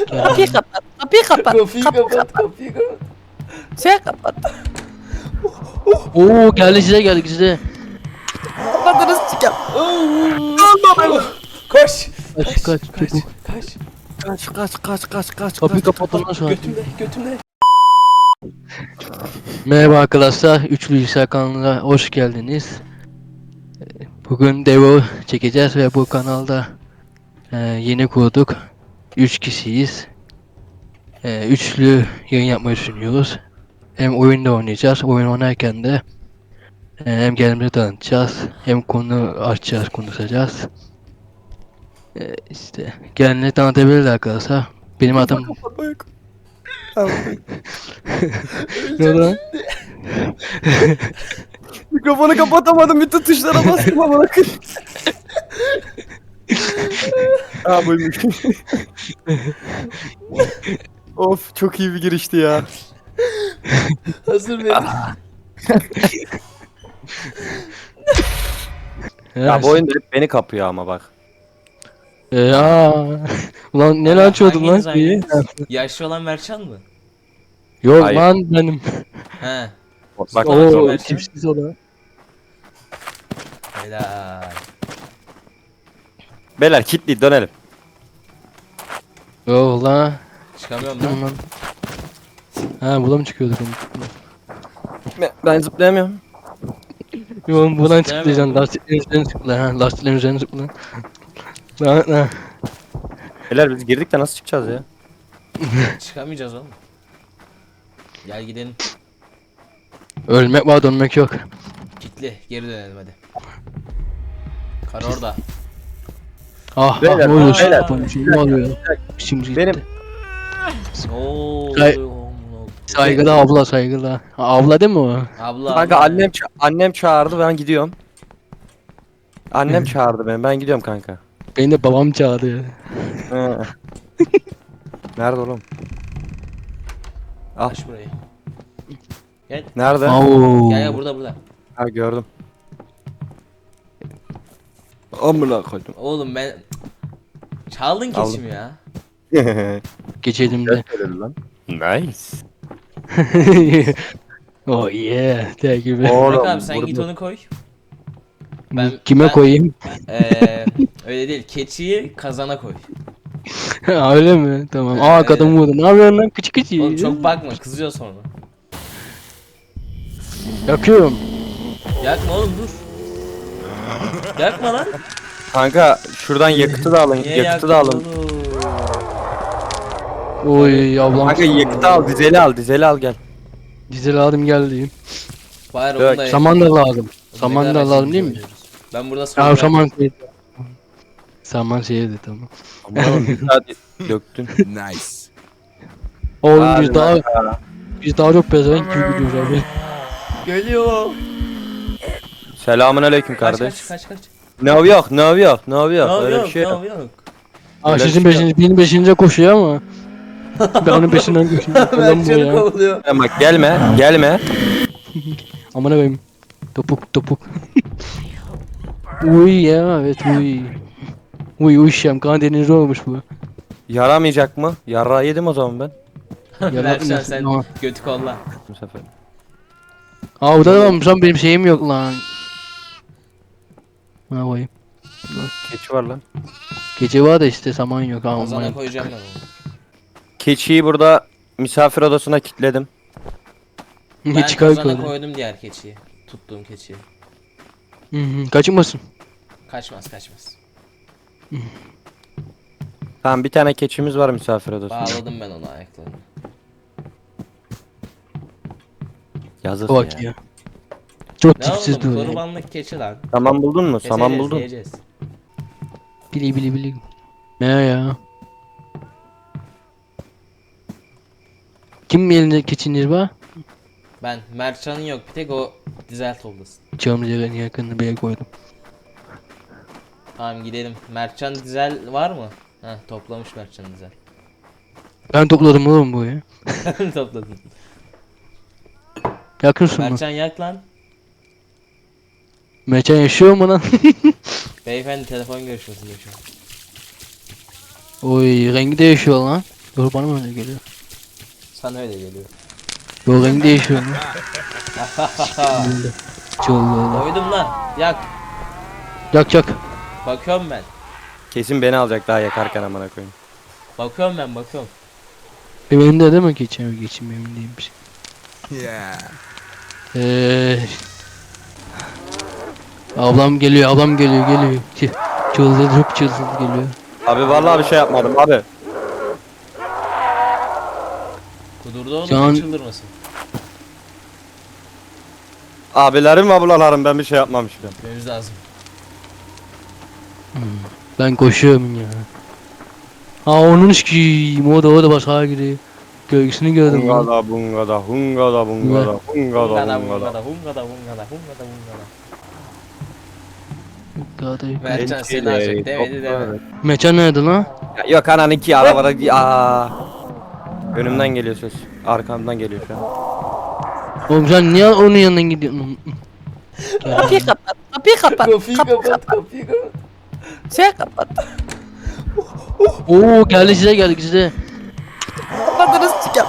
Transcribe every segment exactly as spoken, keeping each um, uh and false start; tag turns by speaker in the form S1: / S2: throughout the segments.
S1: Kapıyı kapat. Kapıyı kapat.
S2: Kapıyı kapat, kapıyı kapat.
S1: Sen kapat.
S3: Oo geldi size geldi size.
S1: Kapatınız çıkar.
S2: Koş.
S3: Kaç kaç
S2: Kaç.
S3: çabuk.
S2: Kaç.
S1: Kaç kaç kaç kaç kaç.
S3: Kapıyı
S1: kaç.
S3: kapatın lan şu an.
S2: Götümde, götümde.
S3: Merhaba arkadaşlar, Üçlü Bilgisayar kanalına hoş geldiniz. Bugün Devo çekeceğiz ve bu kanalda e, yeni kurduk. Üç kişiyiz. E, üçlü yayın yapmayı düşünüyoruz. Hem oyunda oynayacağız, oyun oynarken de e, hem kendimizi tanıtacağız, hem konu açacağız, konuşacağız. E, işte kendini tanıtabilirler arkadaşlar. Benim adım... Ne oldu lan?
S1: Mikrofonu kapatamadım. Bütün tuşlara bastım ama bakın. Aa buymuş. Of çok iyi bir girişti ya.
S2: Hazır verin.
S4: Ya bu oyunda hep beni kapıyor ama bak.
S3: Ee, aa. Ulan ne açıyordun lan?
S5: Hanginiz
S3: şeyi?
S5: hanginiz? Yaşlı olan Mertcan mı?
S3: Yok
S4: Hayır.
S3: lan benim.
S5: He.
S4: Bak
S3: Oo
S5: Mertcan.
S3: tipsiz o da.
S5: Helal.
S4: beyler kilitli dönelim.
S3: Yok lan.
S5: Çıkamıyorum
S3: Tamam
S5: lan.
S3: lan. Ha buna mı çıkıyorduk onu?
S1: Ben, ben zıplayamıyorum.
S3: Yok buradan
S5: Zıplayamıyor
S3: çıkacaksın.
S5: mu?
S3: Lastiklerin üzerine zıpla. Ha lastiklerin üzerine zıpla. Lan lan.
S4: Beyler biz girdik de nasıl çıkacağız ya?
S5: Çıkamayacağız oğlum. Gel gidelim.
S3: Ölmek var dönmek yok.
S5: Kitli. Geri dönelim hadi. Kar orada.
S3: Ah
S4: Beyler,
S3: ah ne oluyor?
S5: beyler.
S3: Şimdi şey ne oluyor? Şimdi
S4: Benim-
S5: Oo.
S3: Say- Saygılı abla saygılı. Ha, abla değil mi o?
S5: Abla.
S4: Kanka
S5: abla.
S4: annem ça- annem çağırdı ben gidiyorum. Annem çağırdı beni ben gidiyorum kanka.
S3: Beni de babam çağırdı.
S4: He. Nerede oğlum? Al.
S5: Aç burayı. Gel.
S4: Nerede?
S3: Oo.
S5: Gel gel burada burada.
S4: Ha gördüm. Amına koydum.
S5: Oğlum ben... Çaldın
S4: Aldım.
S5: keçimi ya.
S3: Geçelim de.
S4: lan. Nice.
S3: Oh yeah. Der gibi.
S4: Oğlum,
S5: Bak abi sen
S4: burada-
S5: git onu koy. Ben,
S3: Kime
S5: ben-
S3: koyayım?
S5: Eee öyle değil. Keçiyi kazana koy.
S3: Ha, öyle mi? Tamam.
S5: Evet,
S3: Aa
S5: evet.
S3: kadın vurdu. Ne yapıyorsun lan? Küçük küçük.
S5: Oğlum çok bakma kızıyor sonra.
S3: Yakıyorum.
S5: Yakma oğlum dur. Yakma lan.
S4: Kanka şuradan yakıtı da alın.
S5: Niye
S4: yakıtı da
S5: yaktın
S4: alın.
S5: oğlum?
S3: Oy ablam.
S4: Kanka yakıtı al, dizeli al, dizeli al gel.
S3: Dizel aldım geldi.
S5: Bari
S4: Dök.
S5: onu da
S3: Saman da lazım.
S5: Ne
S3: Saman
S5: kadar
S3: da lazım
S5: acı
S3: değil mi?
S5: oynuyoruz. Ben burada
S3: Ya
S5: sonra
S3: saman şey. Saman şeydi tamam.
S4: Aman bir saat döktün.
S6: Nice.
S3: Oğlum
S4: Hadi
S3: biz daha biz daha çok pezevenk gibi gidiyoruz abi.
S5: geliyor.
S4: Selamun aleyküm
S5: Kaç
S4: kardeş.
S5: kaç kaç kaç.
S4: Ne yok, ne yok, ne yok.
S5: Ne
S4: Öyle
S5: yok
S4: bir şey yok.
S5: ne yok.
S3: Aa
S4: Öyle
S3: sizin
S4: bir şey
S3: beşinci, benim beşinci koşuyor ama. Ben onun peşinden koşuyorum. Adam bu
S5: Mertcan'ı
S3: ya.
S5: kovalıyor.
S4: Bak gelme, gelme.
S3: Aman abim. Topuk topuk. Uy ya evet uy. Uy uyuşam kan denizi olmuş bu.
S4: Yaramayacak mı? Yara yedim o zaman ben.
S5: Mertcan sen
S3: Tamam.
S5: götü kolla.
S4: Bu sefer.
S3: Aa burada da varmış lan benim şeyim yok lan. Ne koyayım?
S4: Keçi var lan.
S3: Gece var da işte saman yok ha.
S5: Kazana
S3: aman.
S5: koyacağım ben onu.
S4: Keçiyi burada misafir odasına kilitledim.
S5: Ben
S3: Hiç çıkar
S5: kazana
S3: koydu.
S5: koydum diğer keçiyi. Tuttuğum keçiyi.
S3: Hı hı, kaçınmasın.
S5: Kaçmaz kaçmaz.
S4: Tamam bir tane keçimiz var misafir odasında.
S5: Bağladım ben onu ayaklarını.
S4: Yazık
S3: Bak
S4: ya.
S3: ya. Çok
S5: Ne
S3: tipsiz
S5: oğlum
S3: duruyor.
S5: kurbanlık keçi lan.
S4: Saman buldun mu? Saman
S5: Keseceğiz,
S4: buldun.
S5: yiyeceğiz.
S3: Bili bili bili. Ne ya? Kim elinde keçiniz var?
S5: Ben Mertcan'ın yok bir tek o dizel toplasın.
S3: Camcıların yakınını bir yere koydum.
S5: Tamam gidelim. Mertcan dizel var mı? Heh toplamış Mertcan dizel.
S3: Ben topladım oğlum bu ya.
S5: Topladın.
S3: Yakınsın mı?
S5: Mertcan yak lan.
S3: Mertcan yaşıyor mu lan?
S5: Beyefendi telefon görüşmesinde şu an.
S3: Oy rengi değişiyor lan. Yok bana mı öyle geliyor?
S5: Sana öyle geliyor.
S3: Yok renk değişiyor mu? Çollu.
S5: Koydum lan. Yak.
S3: Yak yak.
S5: Bakıyorum ben.
S4: Kesin beni alacak daha yakarken amına koyayım.
S5: Bakıyorum ben bakıyorum.
S3: Benim de değil mi geçeyim geçeyim emin değilmiş.
S6: Yeah.
S3: Eee. Ablam geliyor ablam geliyor geliyor. Ç- Çıldırdı çok çıldırdı geliyor.
S4: Abi vallahi bir şey yapmadım abi.
S5: Kudurdu oğlum.
S3: Şu an-
S5: Ne çıldırmasın.
S4: Abilerim ablalarım ben bir şey yapmamışım.
S5: Gitmemiz lazım.
S3: Ben koşuyorum ya. Ha onun ki o da o da başka gidiyor. Gölgesini gördüm lan.
S4: Hungada bungada hungada bungada hungada
S5: Hungada
S4: bungada.
S5: hungada hungada hungada hungada hungada.
S3: Gade.
S5: Mertcan seni alacak demedi deme.
S3: Mekan nerede lan?
S4: Ya yok ananınki arabada aa. Önümden geliyor ses. Arkamdan geliyor şu an.
S3: Oğlum sen niye onun yanından gidiyorsun?
S1: Kapıyı kapat. Kapıyı kapat.
S5: Kapıyı kapat kapıyı kapat.
S1: Sen kapat.
S3: Oo geldi size geldi size.
S1: Kapatınız çıkar.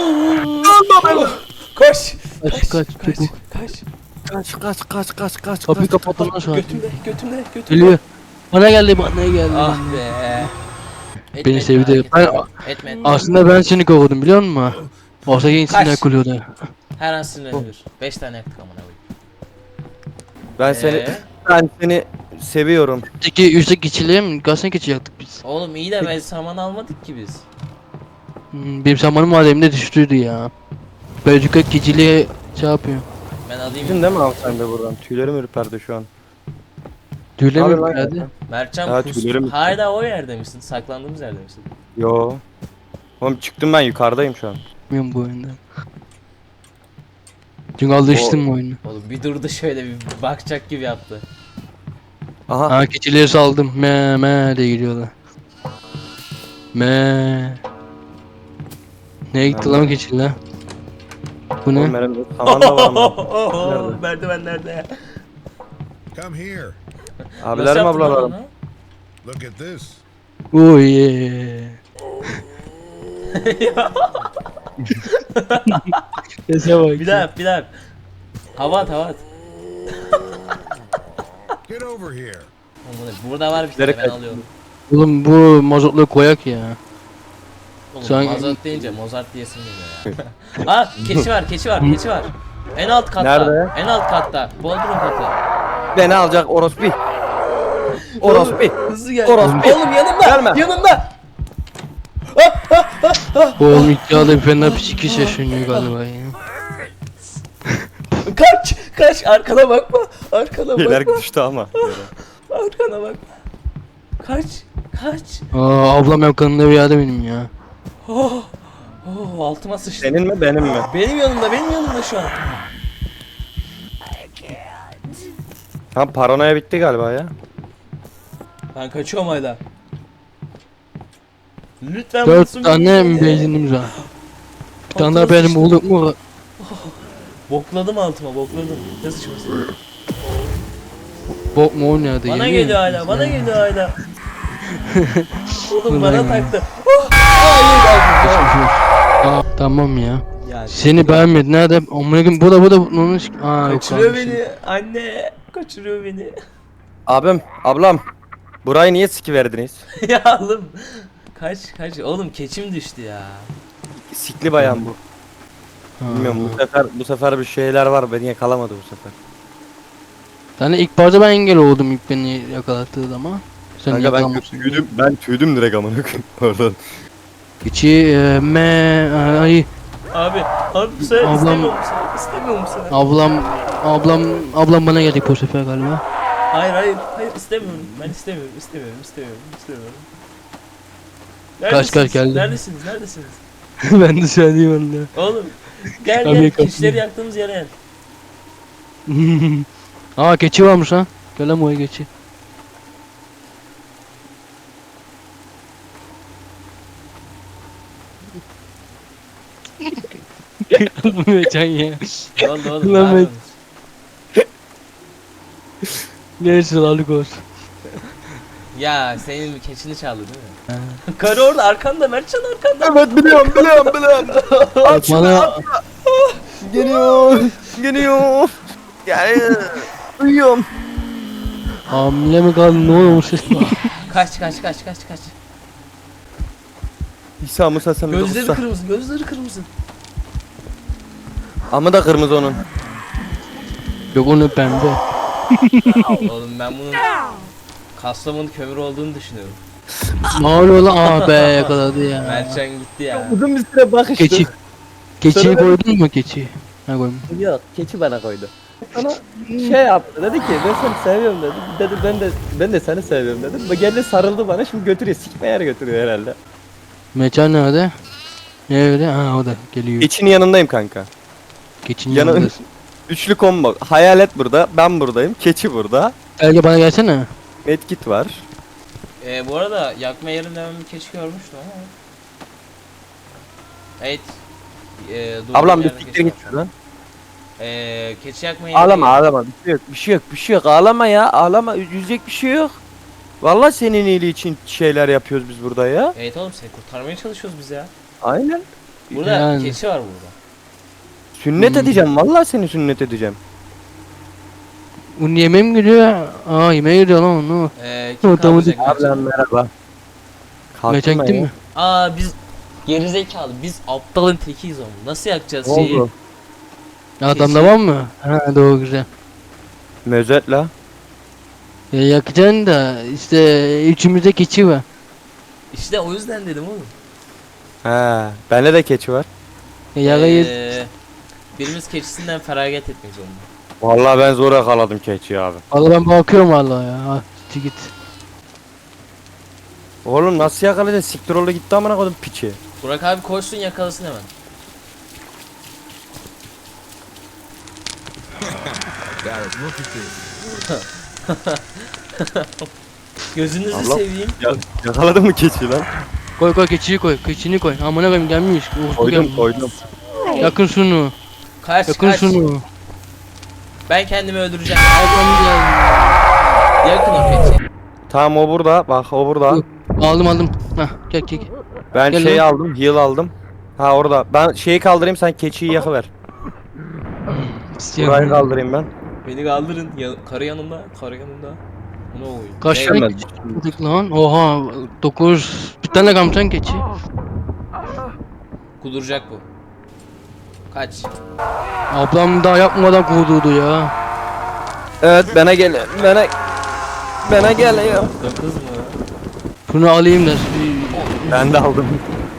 S5: Koş.
S3: Kaç kaç
S5: Kaç.
S3: çabuk.
S5: Kaç.
S4: Kaç kaç kaç kaç kaç.
S3: Kapıyı kapatın lan şu an.
S5: Götümde götümde götümde.
S3: Geliyor. Bana geldi bana geldi.
S5: Ah be. Etme,
S3: Beni
S5: etme,
S3: sevdi.
S5: hareket
S3: Ben-
S5: etme. Etme etme.
S3: Aslında ben seni kovdum biliyor musun? Olsa gençsin
S5: Kaç.
S3: akılıyordu.
S5: Her an sinirlenir. Beş tane yaktık amına koyayım.
S4: Ben seni
S5: Ee?
S4: ben seni seviyorum.
S3: Peki üstteki keçiliğe mi? Gazete geçecektik biz.
S5: Oğlum iyi de ben saman almadık ki biz.
S3: Hmm, benim zamanım var elimde düştüydü ya. Belçika keçiliğe şey yapıyor.
S5: Ben alayım.
S4: Gittin değil mi abi sen de buradan? Tüylerim ürperdi şu an.
S3: Düğüle
S4: Abi
S3: mi
S4: lan
S3: geldi?
S4: ya.
S5: Mertcan
S4: Ya,
S5: kus.
S4: tüylerim-
S5: Hala o yerde misin? Saklandığımız yerde misin?
S4: Yo. Oğlum çıktım ben yukarıdayım şu an.
S3: Bilmiyorum bu oyunda. Çünkü alıştım bu oyunu.
S5: Oğlum bir durdu şöyle bir bakacak gibi yaptı.
S4: Aha.
S3: Ha keçiliğe saldım. Me me diye gidiyorlar. Me. Nereye gitti lan keçililer? Bu
S4: Oğlum
S3: ne?
S4: benim saman da var mı? Nerede?
S5: Merdiven nerede?
S6: Come here.
S4: Abilerim ablalarım.
S6: Look at this.
S3: Oh yeah. Sese bak.
S5: Bir daha yap, bir daha yap. Hava at, hava at.
S6: Get over here.
S5: Oğlum, burada var bir tane
S4: Nereye
S5: ben
S4: kaç-
S5: alıyorum.
S3: Oğlum bu mazotlu koyak ya.
S5: Oğlum
S3: Sen-
S5: Mozart deyince Mozart diyesim geliyor ya. Aa keçi var, keçi var, keçi var. En alt katta.
S4: Nerede?
S5: En alt katta. Bodrum katı.
S4: Beni alacak orospi. Orospi.
S5: Hızlı gel.
S4: Orospu.
S5: Oğlum yanımda.
S4: Gelme.
S5: Yanımda.
S3: Oğlum iddiada bir fena psikis yaşanıyor galiba ya.
S5: Kaç, kaç. Arkana bakma. Arkana
S4: Şeyler
S5: bakma.
S4: düştü ama.
S5: Arkana bakma. Kaç, kaç.
S3: Aa ablam yakınında bir yerde benim ya.
S5: Oh, oh altıma sıçtı.
S4: Senin mi benim mi?
S5: Benim yanımda, benim yanımda şu an.
S4: Tam paranoya bitti galiba ya.
S5: Ben kaçıyorum hala. Lütfen
S3: Dört
S5: bulsun
S3: tane
S5: beni.
S3: mi benzinimiz var? Bir tane daha
S5: Altıma
S3: benim
S5: sıçtı.
S3: bulduk mu?
S5: Bokladım altıma, bokladım. Ne sıçması?
S3: Bok mu o nerede?
S5: Bana
S3: Geliyor
S5: geliyor
S3: mu?
S5: hala, bana geliyor hala. Oğlum
S3: Ulan
S5: bana
S3: ya.
S5: taktı. Oh! Hayır,
S3: Aa, tamam ya.
S5: ya.
S3: Seni beğenmedi. Nerede? Amına koyayım bu da bu da onun Aa yok.
S5: Kaçırıyor
S3: kalmış.
S5: beni. Anne, kaçırıyor beni.
S4: Abim, ablam. Burayı niye siki verdiniz?
S5: ya oğlum. Kaç, kaç. Oğlum keçim düştü ya.
S4: Sikli bayan bu.
S3: Ha.
S4: Bilmiyorum bu sefer bu sefer bir şeyler var beni yakalamadı bu sefer.
S3: Yani ilk başta ben engel oldum ilk beni yakalattığı zaman. Sen
S4: Kanka ben
S3: yakalamışsın.
S4: tüydüm, ben tüydüm direkt amına koyayım oradan.
S3: İçi e, me ay
S5: Abi, abi sen
S3: Ablam-
S5: istemiyor musun? İstemiyor musun?
S3: ablam ablam ablam bana geldi bu sefer galiba.
S5: Hayır, hayır, hayır istemiyorum. Ben istemiyorum, istemiyorum, istemiyorum, istemiyorum.
S3: Kaç, kaç geldi?
S5: Neredesiniz? Neredesiniz?
S3: ben de söyleyeyim
S5: Oğlum gel
S3: Tabii
S5: gel
S3: kapıyı.
S5: keçileri yaktığımız yere gel.
S3: onu. Aa keçi varmış lan. Gel lan buraya keçi. Mecan ya.
S5: Ne oldu oğlum?
S3: Lan
S5: ne
S3: ben-
S5: yapıyorsunuz?
S3: Neyse sağlık olsun.
S5: Ya senin keçini çaldı değil mi? Karı orada arkanda, Mertcan arkanda.
S1: Evet biliyorum biliyorum biliyorum.
S3: Bana
S1: Geliyor. Geliyor. Gel. Uyuyorum.
S3: hamile mi kaldın, ne olmuş?
S5: Kaç kaç kaç kaç kaç.
S1: İsa Musa sen de
S5: Gözleri
S1: Musa.
S5: kırmızı, gözleri kırmızı.
S1: Ama da kırmızı onun.
S3: Yok, onu pembe.
S5: Oğlum ben bunun Kastamonu kömür olduğunu düşünüyorum.
S3: Ne oluyor lan? Aa be, yakaladı ya.
S5: Mertcan gitti ya.
S1: Uzun bir süre bakıştık.
S3: Keçi. Keçiyi
S1: Sonra ben-
S3: koydun mu keçiyi? Ha, koydum.
S1: Yok keçi bana koydu. Sana şey yaptı dedi ki ben seni seviyorum dedi. Dedi ben de ben de seni seviyorum dedim. Ve geldi sarıldı bana şimdi götürüyor sikme yer götürüyor herhalde.
S3: Mecan nerede? Nerede? Ha, o da geliyor.
S4: Keçinin yanındayım kanka.
S3: Keçinin
S4: Yana-
S3: yanındasın.
S4: Üçlü combo. Hayalet burada, ben buradayım, keçi burada.
S3: Gel bana gelsene.
S4: Medkit var.
S5: Ee, bu arada yakma yerinde ben bir keçi görmüştüm ama. Evet. Ee, durduğum
S4: Ablam bir
S5: yerde
S4: siktir
S5: keçi
S4: git
S5: var.
S4: şuradan.
S5: Ee, keçi yakma yeri
S4: Ağlama
S5: değil.
S4: ağlama, bir şey yok, bir şey yok, bir şey yok. Ağlama ya, ağlama. Üzülecek bir şey yok. Vallahi senin iyiliği için şeyler yapıyoruz biz burada ya.
S5: Evet oğlum seni kurtarmaya çalışıyoruz biz ya.
S4: Aynen.
S5: Burada
S3: Yani.
S5: keçi var burada.
S4: Sünnet
S3: Hmm.
S4: edeceğim, vallahi seni sünnet edeceğim.
S3: Bunun yemeğe mi giriyor? Aa, yemeğe giriyor lan onu.
S5: Ee, kim
S3: Adamı
S5: kaldıracak Mertcan?
S4: Ablam merhaba. Kalktın
S3: Mecan
S4: mı
S3: gitti
S4: ya?
S3: mi?
S5: Aa biz gerizekalı biz aptalın tekiyiz oğlum. Nasıl yakacağız
S4: Ne
S5: şeyi?
S4: oldu?
S3: Adamda var mı? Ha, doğru, güzel.
S4: Mözet la.
S3: Ya yakacaksın da işte üçümüzde keçi var.
S5: İşte o yüzden dedim oğlum.
S4: He, bende de keçi var.
S3: Ya yarayız.
S5: Ee, birimiz keçisinden feragat etmek zorunda.
S4: Vallahi ben zor yakaladım keçiyi abi.
S3: Valla ben bakıyorum valla ya. Ha, git git.
S4: Oğlum nasıl yakalayacaksın? Siktir oldu gitti amına koydum piçi.
S5: Burak abi koşsun yakalasın hemen.
S6: Garrett, look at this.
S5: Gözünüzü
S4: Allah.
S5: seveyim.
S4: Ya, yakaladın mı keçiyi lan?
S3: Koy koy keçiyi koy. Keçini koy. Amına koyayım, gelmiş. Uğurlu
S4: Koydum
S3: gelmiş.
S4: koydum.
S3: Yakın şunu.
S5: Kaç
S3: Yakın
S5: kaç.
S3: şunu.
S5: Ben kendimi öldüreceğim.
S3: Adam geldi.
S5: Yakın o keçi.
S4: Tamam o burada. Bak o burada.
S3: Dur. Aldım aldım. Hah, gel gel. gel.
S4: Ben
S3: Gel
S4: şeyi
S3: lan.
S4: aldım. Heal aldım. Ha orada. Ben şeyi kaldırayım sen keçiyi yakıver. Burayı kaldırayım ben.
S5: Beni kaldırın. Ya, karı yanımda. Karı yanımda. Ne oluyor?
S3: Kaç
S5: Ne-
S3: tane
S4: Ben-
S3: keçi bulduk lan? Oha, dokuz. Bir tane kamçan keçi.
S5: Kuduracak bu. Kaç.
S3: Ablam daha yapmadan kudurdu ya.
S4: Evet bana gel. Bana bana gel ya.
S5: Dokuz mu?
S3: Şunu alayım da.
S4: Ben de aldım.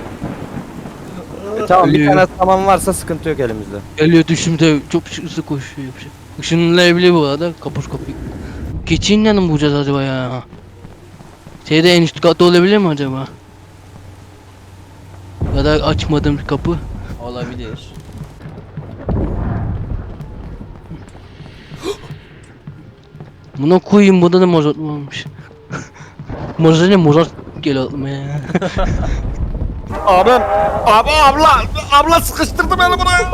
S4: E, tamam bir
S3: Ölüyor.
S4: tane saman varsa sıkıntı yok elimizde.
S3: Geliyor düşümde çok hızlı koşuyor. Işınlayabilir bu arada. Kapış kapıyı. Keçiyi nereden mi bulacağız acaba ya? Şeyde en üst katta olabilir mi acaba? Ya da açmadığım kapı.
S5: Olabilir.
S3: Buna koyayım, burada da mozart varmış. Mozart ne, mozart geliyor aklıma ya.
S4: Abi, abi abla, abla sıkıştırdı beni buraya.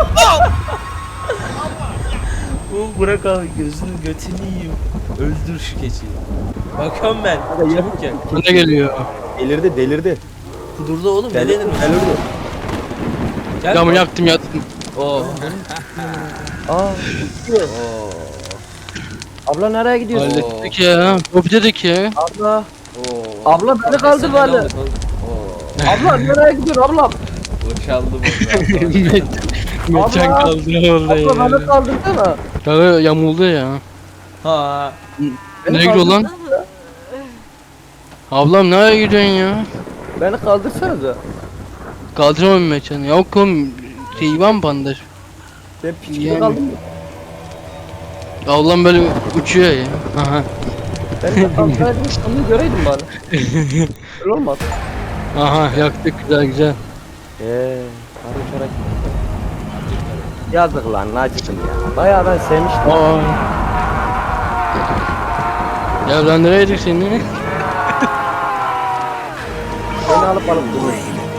S5: Bu bırak abi gözünü götünü yiyeyim. Öldür şu keçiyi. Bakıyorum ben. Çabuk gel.
S3: Bana geliyor.
S4: Delirdi, delirdi.
S5: Kudurdu oğlum ne
S4: Delirdi,
S5: dedim?
S4: delirdi.
S5: Gel.
S3: Camı yaktım yaktım.
S5: Oo.
S4: Aa, abla nereye gidiyorsun?
S3: Hallettik ya. Hop dedik ya.
S4: Abla,
S5: Oo.
S4: abla beni kaldır
S5: Nefes
S4: bari.
S5: alamadık oğlum. Oo.
S4: Abla nereye gidiyorsun abla?
S5: Boşaldı bu.
S3: Meçen
S4: Abla.
S3: kaldı orada
S4: Abla beni
S3: ya.
S4: kaldırsana.
S3: Kanka yamuldu ya.
S5: Ha.
S4: Beni
S3: Nereye gidiyor lan?
S4: kaldırsana.
S3: Ablam nereye gidiyorsun ya?
S4: Beni kaldırsanıza.
S3: Kaldıramam meçanı. Yok oğlum. Şey var mı bandaj?
S4: Ben piç gibi
S3: Yani.
S4: kaldım.
S3: Ablam böyle uçuyor ya. Aha.
S4: Ben de kalksaydım onu göreydim bari. Öyle olmaz.
S3: Aha yaktık, güzel güzel.
S4: Eee, karı çorak. Yazık lan, acıdım ya. Bayağı ben sevmiştim.
S3: Aa. Ya ben nereye yedik seni?
S4: Beni alıp alıp duruyor.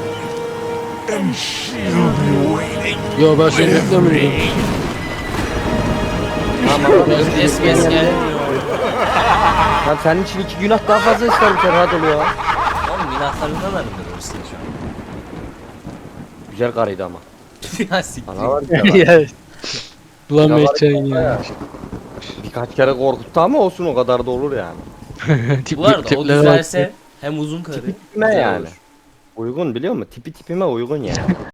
S3: Yo, ben seni beklemiyorum.
S4: Tamam,
S5: Es kes gel.
S4: Lan senin için iki günah daha fazla isterim sen rahat ol ya.
S5: Oğlum günahlarından arındırırsın şu an.
S4: Güzel karıydı ama.
S5: Ya siktir.
S4: Ana var ya.
S3: Ya. Ulan Mehcan ya.
S4: Birkaç kere korkuttu ama olsun o kadar da olur yani.
S3: Tip-
S5: Bu arada o
S3: tiplere bak.
S5: düzelse hem uzun karı.
S4: Tipime
S5: güzel
S4: yani.
S5: olur.
S4: Uygun biliyor musun? Tipi tipime uygun yani.